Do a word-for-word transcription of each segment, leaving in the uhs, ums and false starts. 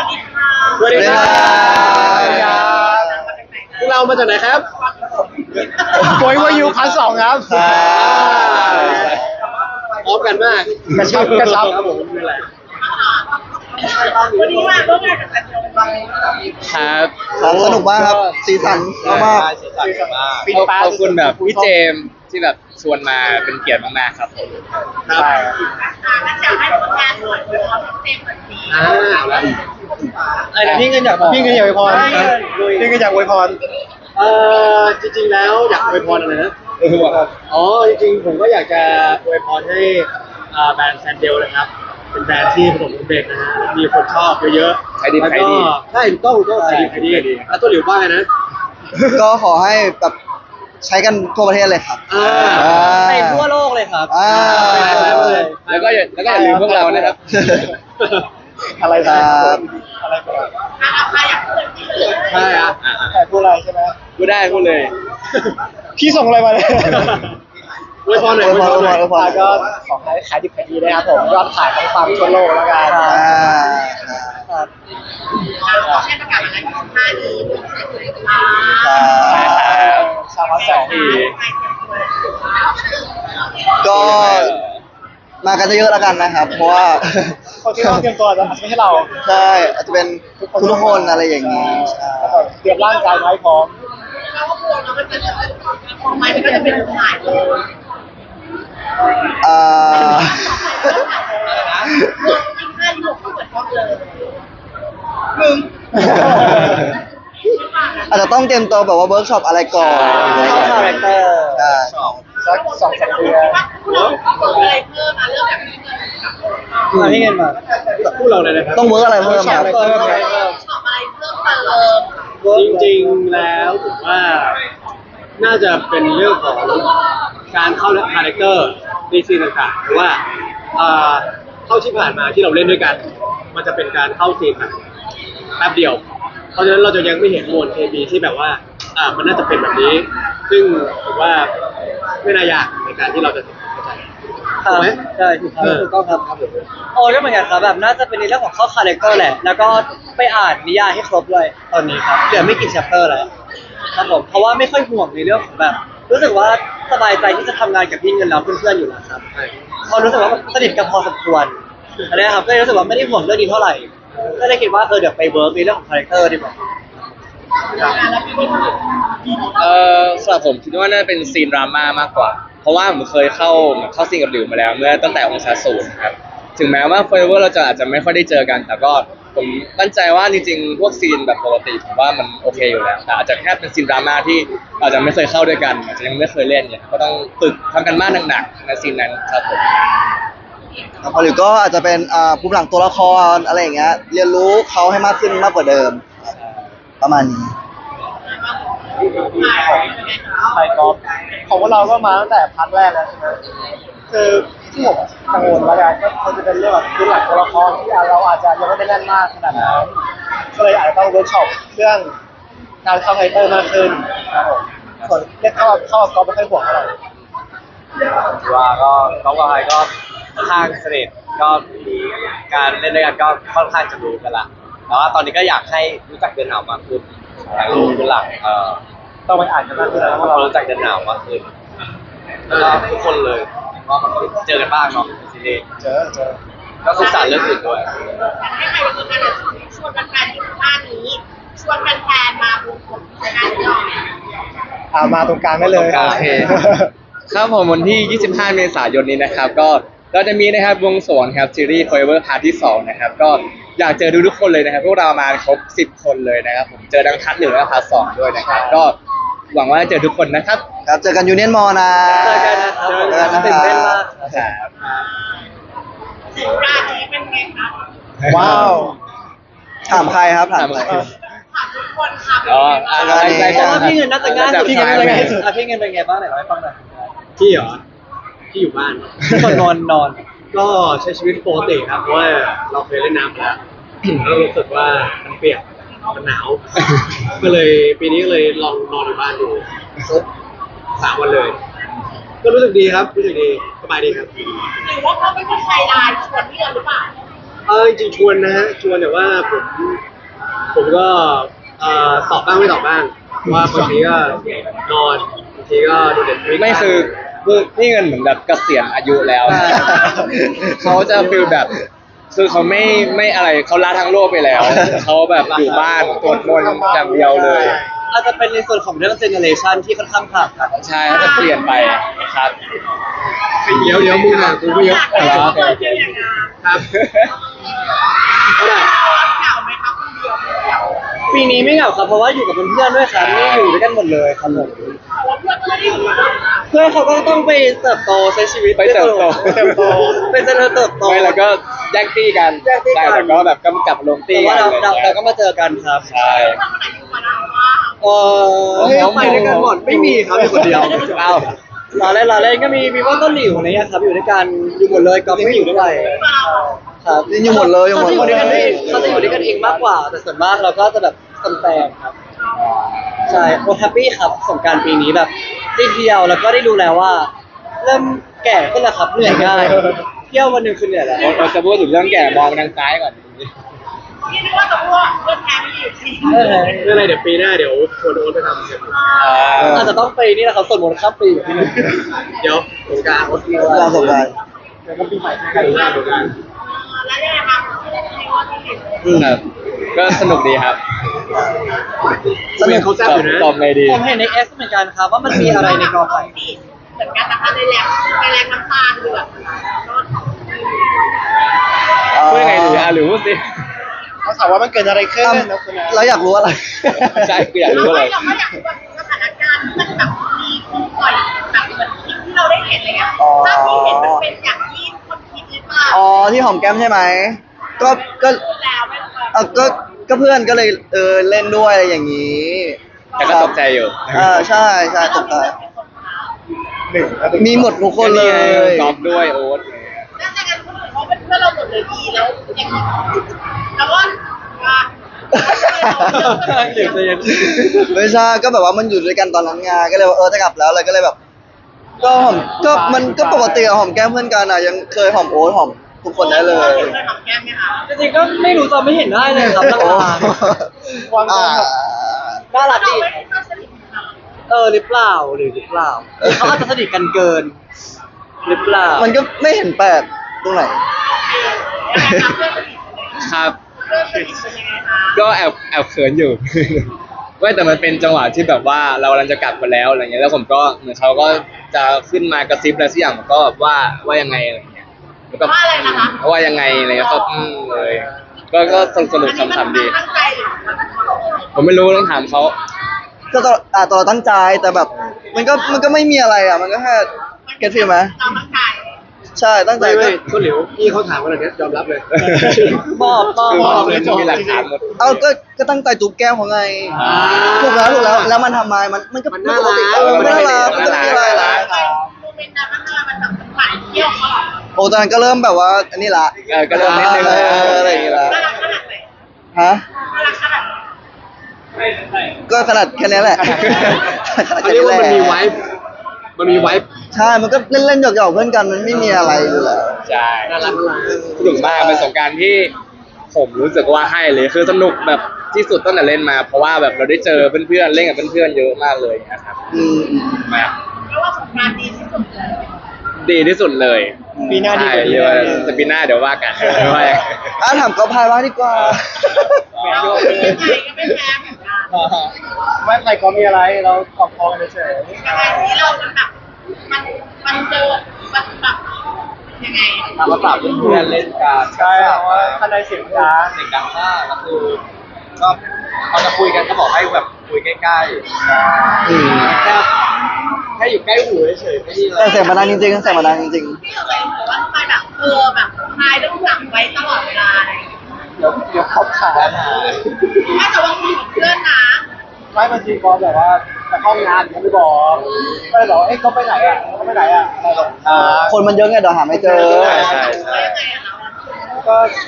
วัสดีค่ะสวัสดีครับพวกเรามาจากไหนครับโวยวายูพันสองครับพร้อมกันมากกระชับกระชับครับผมนี่แหละวันนี้มาร่วมงานกับแฟนเดียวกันบ้างไหมคะครับครับสนุกมากครับสีสันมากสีสันมากขอบคุณแบบพี่เจมส์ที่แบบชวนมาเป็นเกียรติมากๆครับผมครับอ่างั้นอยากให้ผลงานหน่อยเป็นความเต็มแบบนี้อ่าเอาละไอ้พี่เงินอยากบอกพี่เงินอยากอวยพรพี่เงินอยากอวยพรเอ่อจริงๆแล้วอยากอวยพรอะไรนะอ๋อจริงๆผมก็อยากจะอวยพรให้อ่าแบรนด์แซนเดลนะครับเป็นแบรนด์ที่ประสบความสำเร็จนะฮะมีคนชอบเยอะๆขายดีแล้วขายก็ดีใช่ถูกต้องถูกต้องขายดีขายดีแล้วตัวหลิวว่าไงนะๆก็ขอให้แบบใช้กันทั่วประเทศเลยครับอ่าไปทั่วโลกเลยครับอ่าแล้วก็อย่าแล้วก็อย่าลืมพวกเรานะครับอะไรคนะรับอะไรกันอ่ะใครอยากพูดที่เหลือใช่อ่ะใครพูดอะไรใช่ไหมพูดได้พูดเลยพี่ส่งอะไรมาเนี่ยอวยพรหน่อยอวยพรหน่อยอวยพรก็ขอให้ขายดิบขายดีนะครับผมยอดขายต้องฟังทั่วโลกแล้วกันอ่าครับขอให้ประกาศอะไรของท่านี้เป็นเสร็จเลยค่ะชาวมาสองก็มากันเยอะๆแล้วกันนะครับ เพราะว่าคนที่ต้องเตรียมตัวจะอาจจะไม่ใช่เราใช่อาจจะเป็นทุกคนอะไรอย่างนี้ใช่เตรียมร่างกายไว้พร้อมเราก็กลัวเรามันจะของไม้มันก็จะเป็นหายเลยอ่ามึงยิ่งห้าที่หกก็เหมือนชอบเลยมึงอาจจะต้องเตรียมตัวแบบว่าเวิร์กช็อปอะไรก่อนคาแรคเตอร์ใช่สักสองสามเดือนเราต้องอะไรเพิ่มมาเรื่องแบบนี้เงินกับมาที่เงินมาพูดเราเลยนะครับต้องเวิร์กอะไรเพิ่มครับชอบอะไรเพิ่มเติมจริงๆแล้วผมว่าน่าจะเป็นเรื่องของการเข้าคาแรคเตอร์ในซีนต่างๆเพราะว่าอ่าเท่าที่ผ่านมาที่เราเล่นด้วยกัน มันจะเป็นการเข้าซีนแบบแป๊บเดียว เพราะฉะนั้นเราจะยังไม่เห็นมวลเคมีที่แบบว่าอ่ามันน่าจะเป็นแบบนี้ ซึ่งผมว่าไม่น่ายากในการที่เราจะเข้าใจถูกไหมใช่ถูกครับเออถูกต้องครับครับผมโอ้ก็เหมือนกันครับแบบน่าจะเป็นในเรื่องของเข้าคาแรคเตอร์แหละ แล้วก็ไปอ่านนิยายให้ครบเลยตอนนี้ครับเหลือไม่กี่ chapter แล้วครับผมเพราะว่าไม่ค่อยห่วงในเรื่องของแบบ รู้สึกว่าสบายใจที่จะทำงานกับพี่เงินแล้วเพื่อนๆอยู่แล้วครับเพราะรู้สึกว่าสนิทกันพอสมควรอันนี้ครับก็เลยรู้สึกว่าไม่ได้ห่วงเรื่องนี้เท่าไหร่ก็เลยคิดว่าเออเดี๋ยวไปเวิร์กในเรื่องของคาแรคเตอร์ดีกว่าเออสำหรับผมคิดว่าน่าจะเป็นซีนดราม่ามากกว่า เพราะว่าผมเคยเข้าเหมือนเข้าซีนกับหลิวมาแล้วเมื่อตั้งแต่องศาศูนย์ครับถึงแม้ว่าเฟอร์เวอร์เราจะอาจจะไม่ค่อยได้เจอกัน แต่ก็ผมมั่นใจว่าจริงๆพวกซีนแบบปกติผมว่ามันโอเคอยู่แล้วแต่อาจจะแค่เป็นซีนดราม่าที่อาจจะไม่เคยเข้าด้วยกันอาจจะยังไม่เคยเล่นเนี่ยก็ต้องฝึกทำกันบ้านหนักๆในซีนนั้นครับผมครับหรือก็อาจจะเป็นอ่าภูมิหลังตัวละครอะไรอย่างเงี้ยเรียนรู้เขาให้มากขึ้นมากกว่าเดิมครับประมาณนี้ไทยกอล์ฟของพวกเราก็มาตั้งแต่พาร์ทแรกแล้วใช่ไหมคือที่ผมกังวลแล้วกันก็คงจะเป็นเรื่องแบบพื้นหลังตัวละครที่เราอาจจะยังไม่ได้แน่นมากขนาดนั้นก็เลยอาจจะต้องเวิร์กช็อปเรื่องการเข้าไฮเตอร์มากขึ้นครับผมส่วนเรื่องเข้าเข้ากอล์ฟไม่ค่อยห่วงเท่าไหร่ว่าก็น้องกับไอก็ค่อนข้างสนิทก็มีการเล่นด้วยกันก็ค่อนข้างจะรู้กันละแต่ว่าตอนนี้ก็อยากให้รู้จักเดินหนาวมากขึ้นอยากรู้เป็นหลักเอ่อต้องไปอ่านกันมากขึ้นแล้วเพราะเรารู้จักเดินหนาวมากขึ้นแล้วก็ทุกคนเลยเพราะมันก็เจอกันบ้างเนาะในซีรีส์เจอเจอก็ศึกษาเรื่องอื่นด้วยให้ใครวันนี้กันชวนแฟนๆที่ท่านี้ชวนแฟนๆมาบุกผมในงานนี้หน่อยอ่ามาตรงกลางได้เลยโอเค ครับผมวันที่ ยี่สิบห้า เมษายนนี้นะครับ ก็เราจะมีนะครับวงสวงครับซีรีส์ Forever Part ที่สองนะครับ ก็อยากเจอดูทุกคนเลยนะครับ พวกเรามาครบสิบคนเลยนะครับ ผมเจอทั้งพัทหนึ่งและพัทสองด้วยนะครับ ก็หวังว่าจะเจอทุกคนนะครับครับเจอกันยูเนียนมอนะเจอกันนะครับเจอกันนะตื่นเต้นมากครับถึงรานี้เป็นไงคะว้าวถามใครครับถามใครถามทุกคนค่ะเป็นอ๋อไงบ้างอ่าใช่เพใช่ราะว่าพี่เงินน่าจะง่ายสุดพี่เงินน่าจะง่ายสุดอ่ะพี่เงินเป็นไงบ้างไหนเล่าให้ฟังหน่อยพี่เหรอพี่อยู่บ้านทุกคนนอนนอนก็ใช้ชีวิตปกติครับเพราะว่าเราเคยเล่นน้ำมาแล้ว แล้วรู้สึกว่ามันเปียกมันหนาว ก็เลยปีนี้ก็เลยลองนอนอยู่บ้านดูสักสามวันเลย ก็รู้สึกดีครับรู้สึกดีสบายดีครับหรือว่าเขาเป็นคนใจร้ายชวนพี่เงินหรือเปล่าเออจริงๆชวนนะฮะชวนแต่ว่าผมผมก็เอ่อตอบบ้างไม่ตอบบ้างเพราะว่าบางทีก็นอนบางทีก็ดูเด็ดไม่คือคือพี่เงินเหมือนแบบเกษียณอายุแล้วใช่เขาจะฟีลแบบ คือเขาไม่ไม่อะไรเขาละทั้งโลกไปแล้ว เขาแบบอยู่บ้านสวดมนต์อย่างเดียวเลยอาจจะเป็นในส่วนของเรื่องเจเนอเรชันที่ค่อนข้างห่างกันใช่เขาจะเปลี่ยนไปครับเดี๋ยวเดี๋ยวมึงอ่ะกูไม่ยกอยากเหรอเจอที่อย่างนั้นครับเท่าไหร่เหงาไหมครับคนเดียวเหงาปีนี้ไม่เหงาครับเพราะว่าอยู่กับเพื่อนๆด้วยครับนี่อยู่ด้วยกันหมดเลยครับผมเพื่อนไม่ได้อยู่กับเราเพื่อนเขาก็ต้องไปเติบโตใช้ชีวิตไปเติบโตเติบโตเป็นเจริญเติบโตไม่แล้วก็แยกตี้กันแยกตี้กันใช่แต่ก็แบบกำกับลงแต่ตี้ว่ากันเราอะไรเราเงี้ยเราก็มาเจอกันครับใช่ถ้าคนไหนอยู่กับเราว่าเออเฮ้ยไปด้วยกันหมดไม่มีครับมีคนเดียวเอ้าเราเล่นเราเล่นก็มีมีว่าต้นหลิวอะไรเงี้ยครับอยู่ด้วยกันอยู่หมดเลยก็ไม่อยู่ด้วยเราครับนี่อยู่หมดเลยอยู่หมดเขาจะอยู่เลด้วยกันเองยเขาจะอยู่ด้วยกันเองมากกว่า แต่ส่วนมากเราก็จะแบบแฟนๆครับใช่โอแฮปปี้ครับสงกรารปีนี้แบบได้เที่ยวแล้วก็ได้ดูแล้วว่า เริ่มแก่ขึ้นแล้วครับเหนื่อยง่ายเที่ยววันหนึ่งคือเหนื่อยแล้วเราจะพูดถึงเรื่องแก่มองไปทางซ้ายก่อนที่นึกว่าตัวพวกเพื่อนแท้ไม่อยู่จริงเออไม่เป็นไรเดี๋ยวปีหน้าเดี๋ยวชวนโอ๊ตไปทำกันอ่าอาจจะต้องไปนี่แหละครับส่วนมนต์ข้ามปีแบบพี่นึงเดี๋ยวสงกรารโอ๊ตการสงกรานต์เดี๋ยวก็ปีใหม่กันหน้าสงกรารแล้วยังไงครับในวันที่เห็นครับก็สนุกดีครับสนุกเขาแซ่บอยู่นะตอบไงดีผมเห็นในเอสเหมือนกันครับว่ามันมีอะไรในกอไผ่เหมือนกันนะคะในแรงในแรงน้ำตาลคือแบบพูดยังไงดีอ่ะหรือพูดสิเขาถามว่ามันเกิดอะไรขึ้นอ่ะเราอยากรู้อะไรใช่คืออยากรู้อะไรเราก็อยากรู้แบบสถานการณ์ที่มันแบบมีคนปล่อยแบบเหมือนคลิปที่เราได้เห็นอะไรเงี้ยภาพที่เห็นมันเป็นอย่างที่คนคิดหรือเปล่าอ๋อที่หอมแก้มใช่ไหมก็ก็แล้วไม่เออก็ก็เพื่อนก็เลยเออเล่นด้วยอะไรอย่างนี้แต่ก็ตกใจอยู่อ่าใช่ใช่ตกใจมีหมดทุกคนเลยกอล์ฟด้วยโอ๊ตน่าจะกันคนอื่นเขาเป็นเพื่อนเราหมดเลยดีแล้วอย่างนี้แล้วก็ว่าเดี๋ยวจะยังไม่ใช่ก็แบบว่ามันอยู่ด้วยกันตอนนั้นไงก็เลยว่าเออจะกลับแล้วเลยก็เลยแบบ ก็หอมก็มันก็ปกติอะหอมแก้มเพื่อนกันอะยังเคยหอมโอ๊ตหอมทุกคนได้เลยเคยหอมแก้มไหมคะจริงๆก็ไม่รู้จะไม่เห็นได้เลยครับโอ้หลังๆอ่าน่ารักเราดีไม่ได้สนิทกันเออหรือเปล่าหรือหรือเปล่าหรือเขาอาจจะสนิทกันเกิน หรือเปล่ามันก็ไม่เห็นแปลกตรงไหนเพื่อนสนิทครับเพื่อนสนิทเป็นยังไงคะก็แอบแอบเขินอยู่ ว่าแต่มันเป็นจังหวะที่แบบว่าเรากำลังจะกลับมาแล้วอะไรเงี้ยแล้วผมก็เหมือนเขาก็จะขึ้นมากระซิบอะไรสักอย่างผมก็แบบว่าว่ายังไงอะไรเงี้ยแล้วก็ว่าอะไรนะคะว่ายังไงอะไรเงี้ยก็อืมเลย ก็ก็สนุกสนุกขำๆดีตั้งใจหรือผมไม่รู้ต้องถามเขาก็ตอนอ่าตอนเราตั้งใจแต่แบบ มันก็มันก็ไม่มีอะไรอ่ะ มันก็แค่เก็ตฟีลไหมเราตั้งใจใช่ตั้งใจไม่ก็ไม่คนเหลียวพี่เขาถามขนาดนี้ยอมรับเลยมอบมอบคือมอบมันมีหลักฐานหมดเอาก็ก็ตั้งใจจูบแก้มเขาไงอ่าถูกแล้วถูกแล้วแล้วมันทำไมมันมันก็มันน่ารักเออมันน่ารักมันก็ไม่มีอะไรละโมเมนต์นั้นมันมันแบบหวานเที่ยวเขาหรอโอ้ตอนนั้นก็เริ่มแบบว่าอันนี้ละเออก็เริ่มนิดนึงเอออะไรอย่างเงี้ยละน่ารักขนาดไหนฮะน่ารักขนาดไหนก็ขนาดแค่นี้แหละขนาดเขาแค่เรียกนี้ว่าแหมันมีไวละฟ์มันมีไวฟ์ใช่มันก็เล่นๆหยอกๆเพื่อนกันมันไม่มีอะไรอยู่แล้วใช่น่ารักน่ารักสนุกมากเป็นสงกรารที่ผมรู้สึกว่าให้เลยคือสนุกแบบที่สุดตั้งแต่เล่นมา เพราะว่าแบบเราได้เจอเพื่อนๆเล่นกับเพื่อนๆเยอะมากเลยนะครับอืมอืมมากเพราะว่าสงกรานต์ดีที่สุดเลยดีที่สุดเลยปีหน้าดีกว่าใช่นี้เรียกว่าแต่ปีหน้าเดี๋ยวว่ากันว่าอย่างอ่ะถามเขาพายว่าดีกว่าเราเป็นยังไงก็ไม่แพ้เหมือนกันไม่ใครก็มีอะไรเราขอบคอกันเฉยยังไงที่เรามันแบบมันมันเจอมันแบบยังไงตามภาษาเพื่อนเล่นกันใช่เพราะว่าข้างในเสียงดังเสียงดังมากก็คือก็เขาจะคุยกันก็บอกให้แบบคุยใกล้ๆอืมแค่แค่อยู่ใกล้หูเฉยๆไม่มีอะไรแต่เสียงมันดังจริงๆเสียงมันดังจริงที่เราเลยบอกว่าทำไมแบบเออแบบพายต้องจับไว้ตลอดเวลาอะไรอย่างเงี้ยเดี๋ยวเดี๋ยวเขาขาปัญหาถ้าแต่ว่าคุยกับเพื่อนนะไม่บางทีพอแบบว่าจะเข้างานเขาไม่บอกก็เลยบอกว่าเอ๊ะเขาไปไหนอ่ะเขาไปไหนอ่ะเราบอกอ่าๆ คนมันเยอะไงเดี๋ยวหาไม่เจอใช่ใช่ว่าใช่ยังไงอะเราอะก็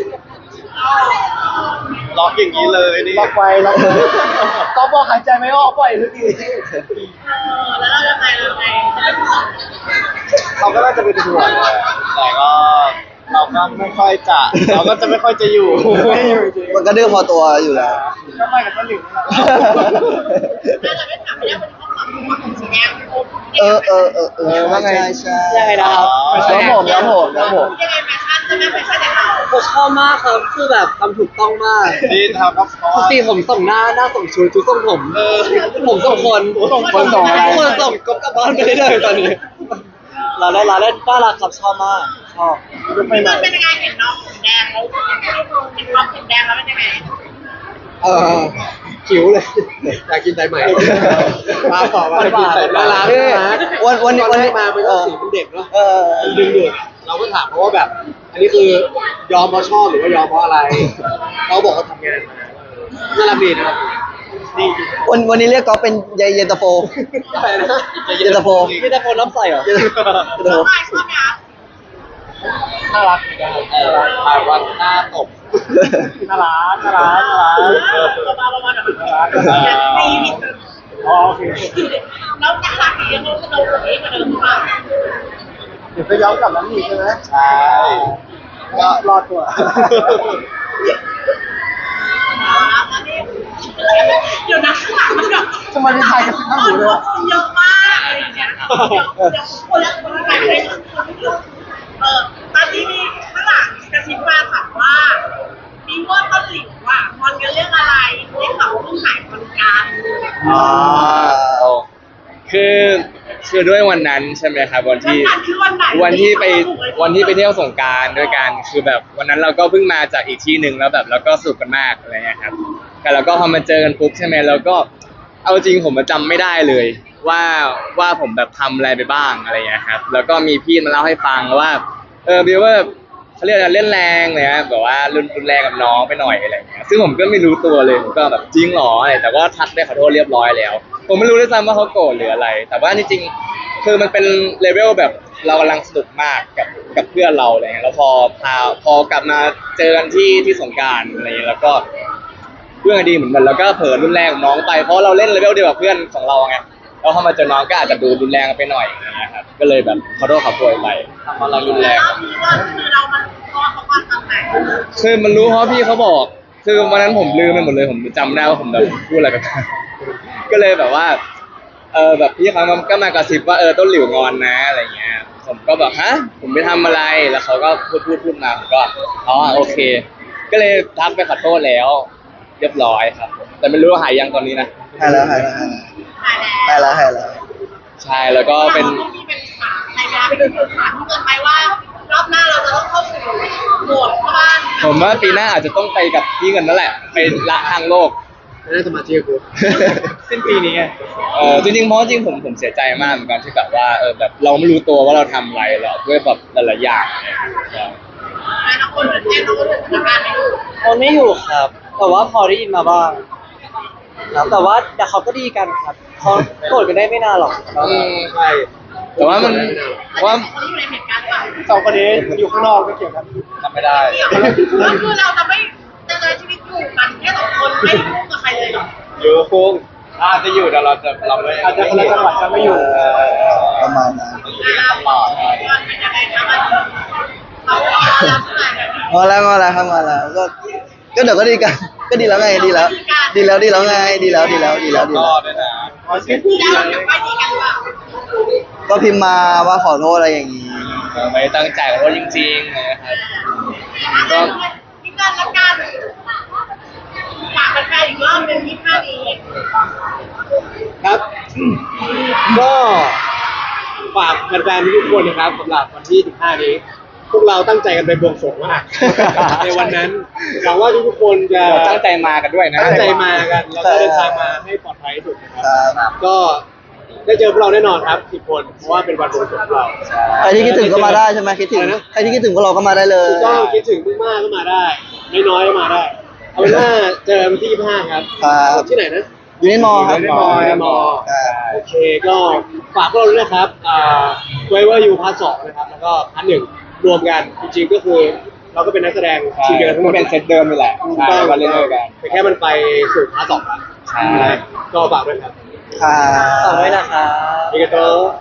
ล็อกอย่างนี้เลยนี่ล็อกไว้ล็อกเลยก็บอกหายใจไม่ออกปล่อยทุกทีเออแล้วเราจะไปเราจะไปเขาก็น่าจะเป็นห่วงแต่ก็เราก็ไม่ค่อยจะเราก็จะไม่ค่อยจะอยู่ไม่อยู่จริงมันก็ดื้อพอตัวอยู่แล้วก็ไม่กับต้นหลิวนี่แหละถ้าเราไม่ถามไม่ได้วันนี้เขาขอบคุณของสีแดงโอ้เออเออเออเออว่าไงใช่ยังไงนะครับแล้วผมแล้วผมแล้วผมยังไงแฟชั่นใช่ไหมแฟชั่นในเราผมชอบมากครับคือแบบทำถูกต้องมากดีทำครับปกติผมส่งหน้าหน้าส่งชุดชุดส่งผมผมส่งคนคนส่งอะไรทุกคนส่งก็กลับบ้านไปได้เลยตอนนี้เราเล่นเราเล่นน่ารักครับชอบมากชอบไม่ไหนมันเป็นยังไงเห็นน้องผมแดงแล้วเห็นน้องผมแดงแล้วเป็นยังไงเออหิวเลยอยากกินสายใหม่มาขอมากินสายใหม่ร้านวันวันนี้ตอวัน นที่นี้มาเป็นสีเป็นเด็กเนาะเออมันดึงดูดเราก็ถามเขาว่าแบบ อันนี้คือยอมเพราะชอบหรือว่ายอมเพราะอะไรเขาบอกเขาทำงานมาน่ารักดีนะครับดีจริงวันวันนี้เรียกก็เป็นเยเย็นตาโฟอะไรนะเย็นตาโฟมีแต่คนน้ำใสเหรอเย็นตาโฟชอบไหมชอบไหมคะน่ารักเหมือนกันเออหมายว่าหน้าตบน่ารักน่ารักน่ารักเออประมาณประมาณแบบตีนิดนึงอ๋อโอเคแล้วน่ารักดีแล้วก็เราสวยกว่าเดิมมากเดี๋ยวจะย้อนกลับนั้นอีกใช่ไหมใช่ก็รอดตัวเดี๋ยวนะข้างหลังมันแบบจะมาดีไทยกันสิข้างหูเลยคนเยอะมากอะไรอย่างเงี้ยเดี๋ยวเดี๋ยวคนละคนละไปเลยคนไม่รู้เออตอนนี้มีข้างหลังกระซิบมาถามว่ามีว่าต้นหลิวอ่ะงอนกันเรื่องอะไรได้ข่าวว่าเพิ่งหายงอนกันอ๋อคือคือด้วยวันนั้นใช่ไหมครับวันที่วันคือวันไหนวันที่ไปวันที่ไปเที่ยวสงกรารด้วยกันคือแบบวันนั้นเราก็เพิ่งมาจากอีกที่หนึ่งแล้วแบบเราก็สนุกกันมากอะไรเงี้ยครับแต่เราก็พอมาเจอกันปุ๊บใช่ไหมเราก็เอาจริงผมจำไม่ได้เลย ว่าว่าผมแบบทำอะไรไปบ้างอะไรเงี้ยครับแล้วก็มีพี่มาเล่าให้ฟังว่าเออบิวว่าเขาเรียกอะไรเล่นแรงเลยนะแบบว่ารุนรุนแรงกับน้องไปหน่อยอะไรเงี้ยซึ่งผมก็ไม่รู้ตัวเลยผมก็แบบจริงหรออะไรแต่ก็ทักได้ขอโทษเรียบร้อยแล้ว ผมไม่รู้ด้วยซ้ำว่าเขาโกรธหรืออะไร แต่ว่าจริงๆคือมันเป็นเลเวลแบบเรากำลังสนุกมากกับกับเพื่อนเราอะไรเงี้ยแล้วพอพาพอกลับมาเจอกันที่ที่สงกรานต์อะไรเงี้ยแล้วก็เพื่อนกันดีเหมือนกันแล้วก็เผลอรุนแรงกับน้องไปเพราะเราเล่นเลเวลเดียวกับเพื่อนของเราไงแล้วพอมาเจอน้องก็อาจจะดูรุนแรงไปหน่อยอะไรเงี้ยครับก็เลยแบบขอโทษขอโพยไปเพราะเรารุนแรงรอบนี้ว่าคือเรามันเพราะเขาความทำไหนคือมันรู้เพราะพี่เขาบอก คือวันนั้นผมลืมไปหมดเลยผมจำได้ว่าผมแบบพูดอะไรไปบ้างก็เลยแบบว่า เออแบบพี่เขาก็มากระซิบว่าเออต้นหลิวงอนนะอะไรเงี้ย ผมก็แบบฮะผมไปทำอะไรแล้วเขาก็พูดพูดพูดมาผมก็อ๋อโอเค ก็เลยทักไปขอโทษแล้ว เรียบร้อยครับ แต่ไม่รู้ว่าหายยังตอนนี้นะหายแล้วหายแล้วหายหายแล้วหายแล้วใช่แล้วก็เป็นราต้องมีเป็นถามในเวลาไปดูถามเกินไปว่ารอบหน้าเราจะต้องเข้าสู่โหมดเข้าบ้านผมว่าปีหน้าอาจจะต้องไปกับพี่เงินนั่นแหละไปละทางโลกนั่นสมาธิกูสิ้นปีนี้ไงเออจริงๆเพราะจริงผมผมเสียใจมากเหมือนกันที่แบบว่าเออแบบเราไม่รู้ตัวว่าเราทำอะไรหรอกด้วยแบบหลายๆอย่างเนี่ยใช่แล้วน้องคนเป็นแน่น้องคนเป็นสถานการณ์ไม่รู้คนไม่อยู่ครับ แต่ว่าพอได้ยินมาบ้างครับแต่ว่าแต่เขาก็ดีกันครับเขาโกรธกันได้ไม่นานหรอกอืมใช่แต่ว่ามันว่าคนที่อยู่ในเหตุการณ์เปล่าสองคนนี้อยู่ข้างนอกก็เกี่ยวกันทำไม่ได้เกี่ยวก็คือเราจะไม่จะใช้ชีวิตอยู่กันแค่สองคนไม่ได้คู่กับใครเลยหรออยู่คงอาจจะอยู่แต่เราจะเราไม่อาจจะคนละจังหวัดกันไม่อยู่ประมาณนั้นอ่าบอกว่าเป็นยังไงคะมันเขารับมาแบบนี้งอแล้วงอแล้วครับงอแล้วก็ก็เดี๋ยวก็ดีกันก็ดีแล้วไงดีแล้ว ดีแล้วดีแล้วไงดีแล้วดีแล้วดีแล้วดีก็แล้วด้วยนะที่เราจะไปดีกันเปล่าก็พิมพ์มาว่าขอโทษอะไรอย่างนี้เออไม่ได้ตั้งใจขอโทษจริงๆนะครับก็ที่กันละกันฝากแฟนๆอีกรอบหนึ่งที่ท่านี้ครับ ก็ฝากแฟนๆทุกคนนะครับสำหรับวันที่สิบห้านี้ พวกเราตั้งใจกันไปบวงสรวงมาก ในวันนั้นหวังว่าทุกๆคนจะเราตั้งใจมากันด้วยนะตั้งใจมากันแล้วก็เดินทางมาให้ปลอดภัยที่สุดนะครับครับก็ได้เจอพวกเราแน่นอนครับสิบคนเพราะว่าเป็นวันบวงสรวงของเราใครที่คิดถึงก็มาได้ใช่ไหมคิดถึงอะไรนะใครที่คิดถึงพวกเราก็มาได้เลยถูกต้องคิดถึงมากๆก็มาได้ ไม่น้อยก็มาได้ เอาเป็นว่าเจอวันที่ยี่สิบห้าครับครับที่ไหนนะอยู่ในมอครับอยู่ในมออยู่ในมอครับโอเคก็ฝากพวกเราด้วยนะครับอ่าไว้ว่าอยู่พาร์ทสองนะครับ แล้วก็พาร์ทหนึ่งรวมกันจริงๆก็คือ เราก็เป็นนักแสดงทีมเดียวกันทั้งหมมัดนเป็นเซตเดิมนี่แหละถูกใช่ต้องมาเล่นด้วยกันแต่แค่มันไปสู่พาร์ทสองแล้วใช่ก็ฝากด้วยครับครับฝากไว้นะครับอีกตัว